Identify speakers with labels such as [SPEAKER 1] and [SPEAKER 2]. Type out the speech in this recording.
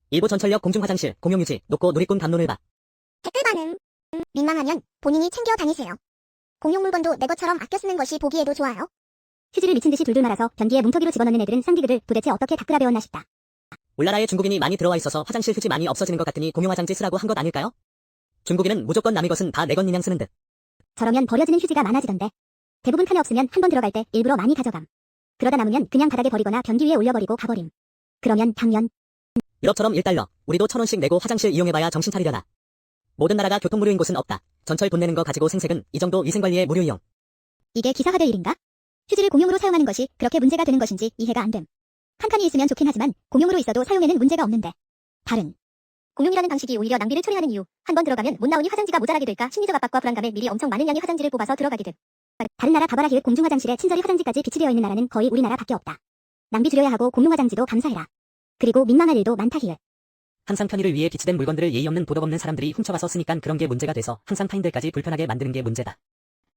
[SPEAKER 1] 일부 전철역 공중화장실, 공용유지, 녹고 누리꾼 담론을 봐.
[SPEAKER 2] 댓글 반응. 민망하면 본인이 챙겨 다니세요. 공용 물건도 내 것처럼 아껴 쓰는 것이 보기에도 좋아요.
[SPEAKER 3] 휴지를 미친 듯이 둘둘 말아서 변기에 뭉텅이로 집어넣는 애들은 쌍디그를 도대체 어떻게 닦으라 배웠나 싶다.
[SPEAKER 1] 울나라에 중국인이 많이 들어와 있어서 화장실 휴지 많이 없어지는 것 같으니 공용화장지 쓰라고 한 것 아닐까요? 중국인은 무조건 남의 것은 다 내 것 마냥 쓰는 듯.
[SPEAKER 3] 저러면 버려지는 휴지가 많아지던데. 대부분 칸에 없으면 한 번 들어갈 때 일부러 많이 가져감. 그러다 남으면 그냥 바닥에 버리거나 변기 위에 올려버리고 가버림. 그러면 당연
[SPEAKER 1] 유럽처럼 1달러, 우리도 1,000원씩 내고 화장실 이용해봐야 정신 차리려나. 모든 나라가 교통무료인 곳은 없다. 전철 돈 내는 거 가지고 생색은 이 정도 위생관리에 무료 이용.
[SPEAKER 3] 이게 기사화될 일인가? 휴지를 공용으로 사용하는 것이 그렇게 문제가 되는 것인지 이해가 안 됨. 한 칸이 있으면 좋긴 하지만 공용으로 있어도 사용에는 문제가 없는데. 다른 공용이라는 방식이 오히려 낭비를 초래하는 이유. 한 번 들어가면 못 나오니 화장지가 모자라게 될까 심리적 압박과 불안감에 미리 엄청 많은 양의 화장지를 뽑아서 들어가게 됨. 다른 나라 바바라 기획 공중화장실에 친절히 화장지까지 비치되어 있는 나라는 거의 우리나라밖에 없다. 낭비 줄여야 하고 공용화장지도 감사해라. 그리고 민망할 일도 많다 히읗.
[SPEAKER 1] 항상 편의를 위해 비치된 물건들을 예의 없는 도덕 없는 사람들이 훔쳐와서 쓰니깐 그런 게 문제가 돼서 항상 타인들까지 불편하게 만드는 게 문제다.